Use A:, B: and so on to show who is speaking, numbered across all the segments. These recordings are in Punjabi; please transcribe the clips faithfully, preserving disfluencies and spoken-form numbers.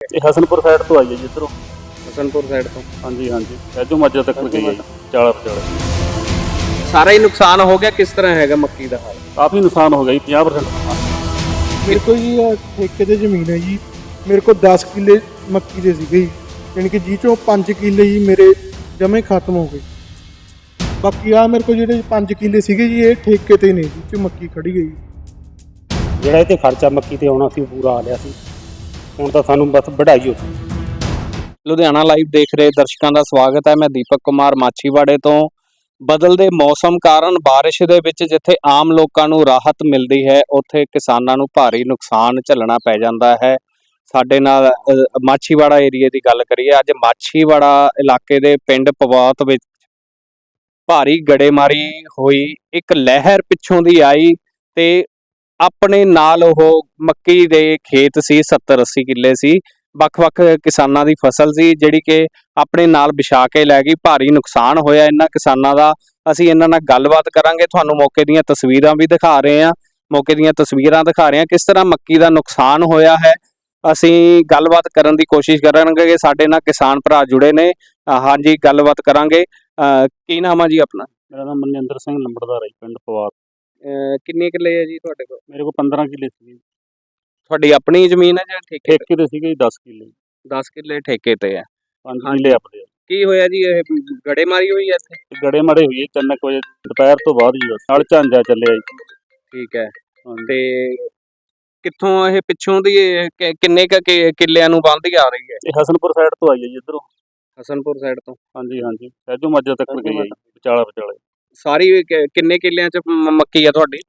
A: ਇਹ ਹਸਨਪੁਰ ਸਾਈਡ ਤੋਂ ਆਈ ਹੈ ਜੀ ਇੱਧਰੋਂ।
B: ਹਸਨਪੁਰ ਸਾਈਡ ਤੋਂ?
A: ਹਾਂਜੀ ਹਾਂਜੀ, ਐਜੋ ਮਾਜਾ ਤੱਕ ਗਈ ਹੈ ਜੀ, ਚਾਲਾ ਪਚਾਲੇ।
B: ਸਾਰਾ ਹੀ ਨੁਕਸਾਨ ਹੋ ਗਿਆ? ਕਿਸ ਤਰ੍ਹਾਂ ਹੈਗਾ ਮੱਕੀ ਦਾ ਹਾਲ?
A: ਕਾਫੀ ਨੁਕਸਾਨ ਹੋ ਗਿਆ ਜੀ, ਪੰਜਾਹ ਪ੍ਰਸੈਂਟ ਨੁਕਸਾਨ।
C: ਮੇਰੇ ਕੋਲ ਜੀ ਆਹ ਠੇਕੇ ਤੇ ਜ਼ਮੀਨ ਹੈ ਜੀ, ਮੇਰੇ ਕੋਲ ਦਸ ਕਿੱਲੇ ਮੱਕੀ ਦੇ ਸੀਗੇ ਜੀ, ਯਾਨੀ ਕਿ ਜੀ ਚੋਂ ਪੰਜ ਕਿੱਲੇ ਜੀ ਮੇਰੇ ਜਮੇ ਖਤਮ ਹੋ ਗਏ। ਬਾਕੀ ਆ ਮੇਰੇ ਕੋਲ ਜਿਹੜੇ ਪੰਜ ਕਿੱਲੇ ਸੀਗੇ ਜੀ ਇਹ ਠੇਕੇ ਤੇ ਨੇ ਜੀ, ਚ ਮੱਕੀ ਖੜੀ ਗਈ।
D: ਜਿਹੜਾ ਇਹ 'ਤੇ ਖਰਚਾ ਮੱਕੀ ਤੇ ਆਉਣਾ ਸੀ ਉਹ ਪੂਰਾ ਆ ਲਿਆ ਸੀ, ਹੁਣ ਤਾਂ ਸਾਨੂੰ ਬਸ ਵਢਾਈ ਹੋ ਗਈ।
B: ਲੁਧਿਆਣਾ ਲਾਈਵ ਦੇਖ ਰਹੇ ਦਰਸ਼ਕਾਂ ਦਾ ਸਵਾਗਤ ਹੈ। ਮੈਂ ਦੀਪਕ ਕੁਮਾਰ ਮਾਛੀਵਾੜੇ ਤੋਂ। ਬਦਲਦੇ ਮੌਸਮ ਕਾਰਨ ਬਾਰਿਸ਼ ਦੇ ਵਿੱਚ ਜਿੱਥੇ ਆਮ ਲੋਕਾਂ ਨੂੰ ਰਾਹਤ ਮਿਲਦੀ ਹੈ, ਉੱਥੇ ਕਿਸਾਨਾਂ ਨੂੰ ਭਾਰੀ ਨੁਕਸਾਨ ਝੱਲਣਾ ਪੈ ਜਾਂਦਾ ਹੈ। ਸਾਡੇ ਨਾਲ ਅ, ਮਾਛੀਵਾੜਾ ਏਰੀਏ ਦੀ ਗੱਲ ਕਰੀਏ, ਅੱਜ ਮਾਛੀਵਾੜਾ ਇਲਾਕੇ ਦੇ ਪਿੰਡ ਪਵਾਤ ਵਿੱਚ ਭਾਰੀ ਗੜੇਮਾਰੀ ਹੋਈ। ਇੱਕ ਲਹਿਰ ਪਿੱਛੋਂ ਦੀ ਆਈ ਤੇ ਆਪਣੇ ਨਾਲ ਉਹ ਮੱਕੀ ਦੇ ਖੇਤ ਸੀ, ਸੱਤਰ ਅੱਸੀ ਕਿੱਲੇ ਸੀ, ਵੱਖ-ਵੱਖ ਕਿਸਾਨਾਂ ਦੀ ਫਸਲ ਸੀ ਜਿਹੜੀ ਕਿ ਆਪਣੇ ਨਾਲ ਵਿਛਾ ਕੇ ਲੈ ਗਈ। ਭਾਰੀ ਨੁਕਸਾਨ ਹੋਇਆ ਇਹਨਾਂ ਕਿਸਾਨਾਂ ਦਾ। ਅਸੀਂ ਇਹਨਾਂ ਨਾਲ ਗੱਲਬਾਤ ਕਰਾਂਗੇ, ਤੁਹਾਨੂੰ ਮੌਕੇ ਦੀਆਂ ਤਸਵੀਰਾਂ ਵੀ ਦਿਖਾ ਰਹੇ ਹਾਂ ਮੌਕੇ ਦੀਆਂ ਤਸਵੀਰਾਂ ਦਿਖਾ ਰਹੇ ਹਾਂ ਕਿਸ ਤਰ੍ਹਾਂ ਮੱਕੀ ਦਾ ਨੁਕਸਾਨ ਹੋਇਆ ਹੈ। ਅਸੀਂ ਗੱਲਬਾਤ ਕਰਨ ਦੀ ਕੋਸ਼ਿਸ਼ ਕਰਾਂਗੇ ਕਿ ਸਾਡੇ ਨਾਲ ਕਿਸਾਨ ਭਰਾ ਜੁੜੇ ਨੇ। ਹਾਂਜੀ, ਗੱਲਬਾਤ ਕਰਾਂਗੇ। ਕੀ ਨਾਮ ਆ ਜੀ ਆਪਣਾ?
A: ਮੇਰਾ ਨਾਮ ਮਨਿੰਦਰ ਸਿੰਘ ਲੰਬੜਦਾਰ ਹੈ ਜੀ, ਪਿੰਡ ਪਵਾਤ।
B: ਕਿੰਨੇ ਕਿੱਲੇ ਹੈ ਜੀ ਤੁਹਾਡੇ ਕੋਲ?
A: ਮੇਰੇ ਕੋਲ ਪੰਦਰਾਂ ਕਿੱਲੇ ਸੀ।
B: ਤੁਹਾਡੀ ਆਪਣੀ ਜ਼ਮੀਨ ਹੈ ਜਾਂ ਠੇਕੇ?
A: ਠੇਕੇ ਤੇ ਸੀਗੇ ਜੀ ਦਸ ਕਿੱਲੇ।
B: ਦਸ ਕਿੱਲੇ ਠੇਕੇ ਤੇ ਹੈ।
A: ਪੰਜ ਕਿੱਲੇ ਆਪਣੇ।
B: ਕੀ ਹੋਇਆ ਜੀ? ਇਹ ਗੜੇਮਾਰੀ ਹੋਈ ਹੈ ਇੱਥੇ?
A: ਗੜੇ ਮਾੜੇ ਹੋਈ ਤਿੰਨ ਕੁ ਵਜੇ ਦੁਪਹਿਰ ਤੋਂ ਬਾਅਦ ਜੀ, ਬਸ ਨਾਲ ਝਾਂਜਾ ਚੱਲਿਆ ਜੀ।
B: ਠੀਕ ਹੈ। ਤੇ ਕਿੱਥੋਂ ਇਹ ਪਿੱਛੋਂ ਦੀ ਇਹ ਕਿ- ਕਿੰਨੇ ਕੁ ਕਿ- ਕਿੱਲਿਆਂ ਨੂੰ ਬੰਨ੍ਹਦੀ ਆ ਰਹੀ ਹੈ?
A: ਇਹ ਹਸਨਪੁਰ ਸਾਈਡ ਤੋਂ ਆਈ ਹੈ ਜੀ ਇੱਧਰੋਂ।
B: ਹਸਨਪੁਰ ਸਾਈਡ ਤੋਂ?
A: ਹਾਂਜੀ ਹਾਂਜੀ, ਐਜੋ ਮਾਜਾ ਤੱਕ ਗਈ ਹੈ ਜੀ, ਵਿਚਾਲਾ ਵਿਚਾਲੇ।
B: ਸਾਰੀ ਕਿ- ਕਿੰਨੇ ਕਿੱਲਿਆਂ ਚ ਮ- ਮੱਕੀ ਆ ਤੁਹਾਡੀ?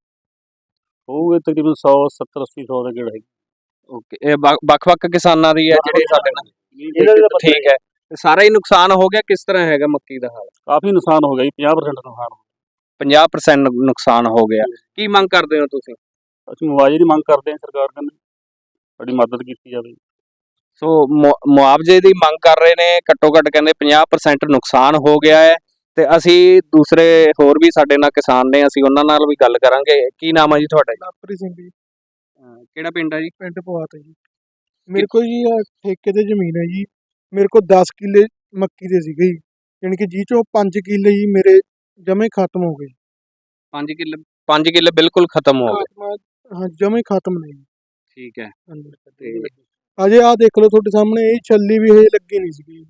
A: ਹੋਊਗੇ ਤਕਰੀਬਨ ਸੌ ਸੱਤਰ ਅੱਸੀ ਸੌ ਦੇ ਗੇੜਾ ਹੈ।
B: ਓਕੇ, ਇਹ ਵੱਖ- ਵੱਖ-ਵੱਖ ਕਿਸਾਨਾਂ ਦੀ ਹੈ ਜਿਹੜੇ ਸਾਡੇ ਨਾਲ?
A: ਇਹਨਾਂ ਦਾ ਪਤਾ
B: ਠੀਕ ਹੈ। ਤੇ ਸਾਰਾ ਹੀ ਨੁਕਸਾਨ ਹੋ ਗਿਆ? ਕਿਸ ਤਰ੍ਹਾਂ ਹੈਗਾ ਮੱਕੀ ਦਾ ਹਾਲ?
A: ਕਾਫੀ ਨੁਕਸਾਨ ਹੋ ਗਿਆ ਜੀ, ਪੰਜਾਹ ਪ੍ਰਸੈਂਟ ਨੁਕਸਾਨ ਹੋ
B: ਪੰਜਾਹ ਪ੍ਰਸੈਂਟ ਨੁਕਸਾਨ ਹੋ ਗਿਆ। ਕੀ ਮੰਗ ਕਰਦੇ ਹੋ ਤੁਸੀਂ?
A: ਗਿਆ। ਅਸੀਂ ਮੁਆਵਜ਼ੇ ਦੀ ਮੰਗ ਕਰਦੇ ਹਾਂ ਸਰਕਾਰ ਕੰਨੇ, ਸਾਡੀ ਮਦਦ ਕੀਤੀ ਜਾਵੇ।
B: ਸੋ ਮੁ- ਮੁਆਵਜ਼ੇ ਦੀ ਮੰਗ ਕਰ ਰਹੇ ਨੇ। ਘੱਟੋ ਘੱਟ ਕਹਿੰਦੇ ਪੰਜਾਹ ਪ੍ਰਸੈਂਟ ਨੁਕਸਾਨ ਹੋ ਗਿਆ ਹੈ। ਤੇ ਅਸੀਂ ਦੂਸਰੇ ਹੋਰ ਵੀ ਸਾਡੇ ਨਾਲ ਕਿਸਾਨ ਨੇ, ਅਸੀਂ ਉਹਨਾਂ ਨਾਲ ਵੀ ਗੱਲ ਕਰਾਂਗੇ। ਕੀ ਨਾਮ ਹੈ ਜੀ ਤੁਹਾਡਾ?
C: ਲਾਪਰੀ ਸਿੰਘ ਜੀ,
B: ਅਹ ਕਿਹੜਾ ਪਿੰਡ ਹੈ ਜੀ?
C: ਪਿੰਡ ਪਵਾਤ ਹੈ ਜੀ। ਮੇਰੇ ਕੋਲ ਜੀ ਆਹ ਠੇਕੇ ਤੇ ਜ਼ਮੀਨ ਹੈ ਜੀ, ਮੇਰੇ ਕੋਲ ਦਸ ਕਿੱਲੇ ਮੱਕੀ ਦੇ ਸੀਗੇ ਜੀ, ਯਾਨੀ ਕਿ ਜੀ ਚੋਂ ਪੰਜ ਕਿੱਲੇ ਜੀ ਮੇਰੇ ਜਮੇ ਖਤਮ ਹੋ ਗਏ।
B: ਪੰਜ ਕਿੱਲੇ? ਪੰਜ ਕਿੱਲੇ ਬਿਲਕੁਲ ਖਤਮ ਹੋ ਗਏ?
C: ਹਾਂ, ਜਮੇ ਖਤਮ ਨੇ ਜੀ।
B: ਠੀਕ ਹੈ।
C: ਹਾਂਜੀ।
B: ਤੇ
C: ਅਜੇ ਆਹ ਦੇਖ ਲਓ ਤੁਹਾਡੇ ਸਾਹਮਣੇ, ਇਹ ਛੱਲੀ ਵੀ ਹਜੇ ਲੱਗੀ ਨਹੀਂ ਸੀਗੀ।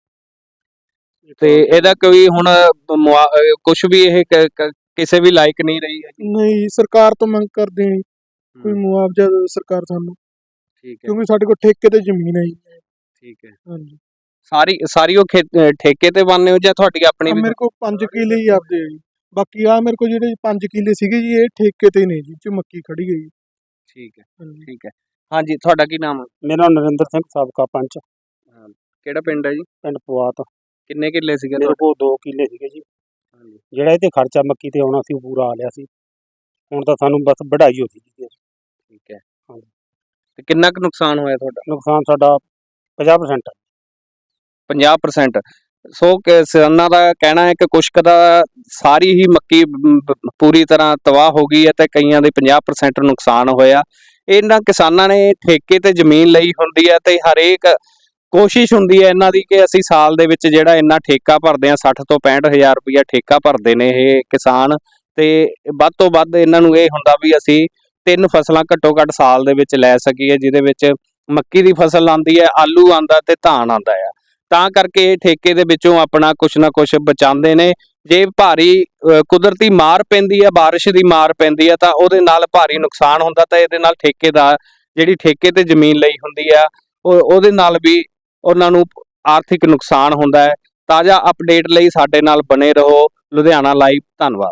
B: ਤੇ ਇਹਦਾ ਕੋਈ ਹੁਣ ਕੁਝ ਵੀ ਇਹ ਕ- ਕ- ਕਿਸੇ ਵੀ ਲਾਇਕ ਨਹੀਂ ਰਹੀ ਹੈ?
C: ਨਹੀਂ, ਸਰਕਾਰ ਤੋਂ ਮੰਗ ਕਰਦੇ ਹਾਂ ਜੀ, ਕੋਈ ਮੁਆਵਜ਼ਾ ਦਿਓ ਸਰਕਾਰ ਸਾਨੂੰ,
B: ਠੀਕ ਹੈ।
C: ਕਿਉਂਕਿ ਸਾਡੇ ਕੋਲ ਠੇਕੇ ਤੇ ਜ਼ਮੀਨ ਹੈ ਜੀ।
B: ਠੀਕ ਹੈ।
C: ਹਾਂਜੀ।
B: ਸਾਰੀ ਸਾਰੀ ਉਹ ਖੇਤ- ਅਹ ਠੇਕੇ ਤੇ ਬੰਨੇ ਹੋ ਜਾਂ ਤੁਹਾਡੀ ਆਪਣੀ
C: ਆਹ
B: ਵੀ?
C: ਮੇਰੇ ਕੋਲ ਪੰਜ ਕਿੱਲੇ ਹੀ ਆਪਦੇ ਆ ਜੀ, ਬਾਕੀ ਆ ਮੇਰੇ ਕੋਲ ਜਿਹੜੇ ਪੰਜ ਕਿੱਲੇ ਸੀਗੇ ਜੀ ਇਹ ਠੇਕੇ ਤੇ ਨੇ ਜੀ, ਚ ਮੱਕੀ ਖੜੀ ਗਈ।
B: ਠੀਕ ਹੈ।
C: ਹਾਂਜੀ।
B: ਠੀਕ ਹੈ। ਹਾਂਜੀ, ਤੁਹਾਡਾ ਕੀ ਨਾਮ ਹੈ?
D: ਮੇਰਾ ਨਾਮ ਨਰਿੰਦਰ ਸਿੰਘ, ਸਾਬਕਾ ਪੰਚ,
B: ਕਿਹੜਾ ਪਿੰਡ ਹੈ ਜੀ?
D: ਪਿੰਡ ਪਵਾਤ।
B: ਕਿੰਨੇ ਕਿੱਲੇ ਸੀਗੇ
D: ਮੇਰੇ
B: ਤੁਹਾਡੇ?
D: ਕੋਲ ਦੋ ਕਿੱਲੇ ਸੀਗੇ ਜੀ,
B: ਹਾਂਜੀ।
D: ਜਿਹੜਾ ਇਹ 'ਤੇ ਖਰਚਾ ਮੱਕੀ ਤੇ ਆਉਣਾ ਸੀ ਉਹ ਪੂਰਾ ਆ ਲਿਆ ਸੀ, ਹੁਣ ਤਾਂ ਸਾਨੂੰ ਬਸ ਵਢਾਈ ਹੋ ਗਈ ਜੀ।
B: ਠੀਕ ਹੈ।
D: ਹਾਂਜੀ।
B: ਤੇ ਕਿੰਨਾ ਕੁ ਨੁਕਸਾਨ ਹੋਇਆ ਤੁਹਾਡਾ?
D: ਨੁਕਸਾਨ ਸਾਡਾ ਪੰਜਾਹ ਪ੍ਰਸੈਂਟ।
B: ਪੰਜਾਹ ਪ੍ਰਸੈਂਟ। ਸੋ ਕਿਸਾਨਾਂ ਦਾ ਕਹਿਣਾ ਹੈ ਕਿ ਕੁਛ ਕੁ ਦਾ ਸਾਰੀ ਹੀ ਮੱਕੀ ਮ, ਬ- ਪੂਰੀ ਤਰ੍ਹਾਂ ਤਬਾਹ ਹੋ ਗਈ ਹੈ ਤੇ ਕਈਆਂ ਦੇ ਪੰਜਾਹ ਪ੍ਰਸੈਂਟ ਨੁਕਸਾਨ ਹੋਇਆ। ਇਹਨਾਂ ਕਿਸਾਨਾਂ ਨੇ ਠੇਕੇ ਤੇ ਜ਼ਮੀਨ ਲਈ ਹੁੰਦੀ ਹੈ ਤੇ ਹਰੇਕ ਕੋਸ਼ਿਸ਼ ਹੁੰਦੀ ਹੈ ਇਹਨਾਂ ਦੀ ਕਿ ਅਸੀਂ ਸਾਲ ਦੇ ਵਿੱਚ ਜਿਹੜਾ ਇੰਨਾ ਠੇਕਾ ਭਰਦੇ ਹਾਂ, ਸੱਠ ਤੋਂ ਪੈਂਹਠ ਹਜ਼ਾਰ ਰੁਪਈਆ ਠੇਕਾ ਭਰਦੇ ਨੇ ਇਹ ਕਿਸਾਨ, ਤੇ ਵੱਧ ਤੋਂ ਵੱਧ ਇਹਨਾਂ ਨੂੰ ਇਹ ਹੁੰਦਾ ਵੀ ਅਸੀਂ ਤਿੰਨ ਫਸਲਾਂ ਘੱਟੋ ਘੱਟ ਸਾਲ ਦੇ ਵਿੱਚ ਲੈ ਸਕੀਏ, ਜਿਹਦੇ ਵਿੱਚ ਮੱਕੀ ਦੀ ਫਸਲ ਆਉਂਦੀ ਹੈ, ਆਲੂ ਆਉਂਦਾ ਤੇ ਧਾਨ ਆਉਂਦਾ ਆ। ਤਾਂ ਕਰਕੇ ਇਹ ਠੇਕੇ ਦੇ ਵਿੱਚੋਂ ਆਪਣਾ ਕੁਛ ਨਾ ਕੁਛ ਬਚਾਉਂਦੇ ਨੇ। ਜੇ ਭਾਰੀ ਅ, ਕੁਦਰਤੀ ਮਾਰ ਪੈਂਦੀ ਹੈ, ਬਾਰਿਸ਼ ਦੀ ਮਾਰ ਪੈਂਦੀ ਹੈ ਤਾਂ ਉਹਦੇ ਨਾਲ ਭਾਰੀ ਨੁਕਸਾਨ ਹੁੰਦਾ, ਤਾਂ ਇਹਦੇ ਨਾਲ ਠੇਕੇ ਦਾ ਜਿਹੜੀ ਠੇਕੇ ਤੇ ਜ਼ਮੀਨ ਲਈ ਹੁੰਦੀ ਆ ਉਹ ਉਹਦੇ ਨਾਲ ਵੀ ਉਹਨਾਂ ਨੂੰ ਆਰਥਿਕ ਨੁਕਸਾਨ ਹੁੰਦਾ ਹੈ। ਤਾਜ਼ਾ ਅਪਡੇਟ ਲਈ ਸਾਡੇ ਨਾਲ ਬਣੇ ਰਹੋ। ਲੁਧਿਆਣਾ ਲਾਈਵ। ਧੰਨਵਾਦ।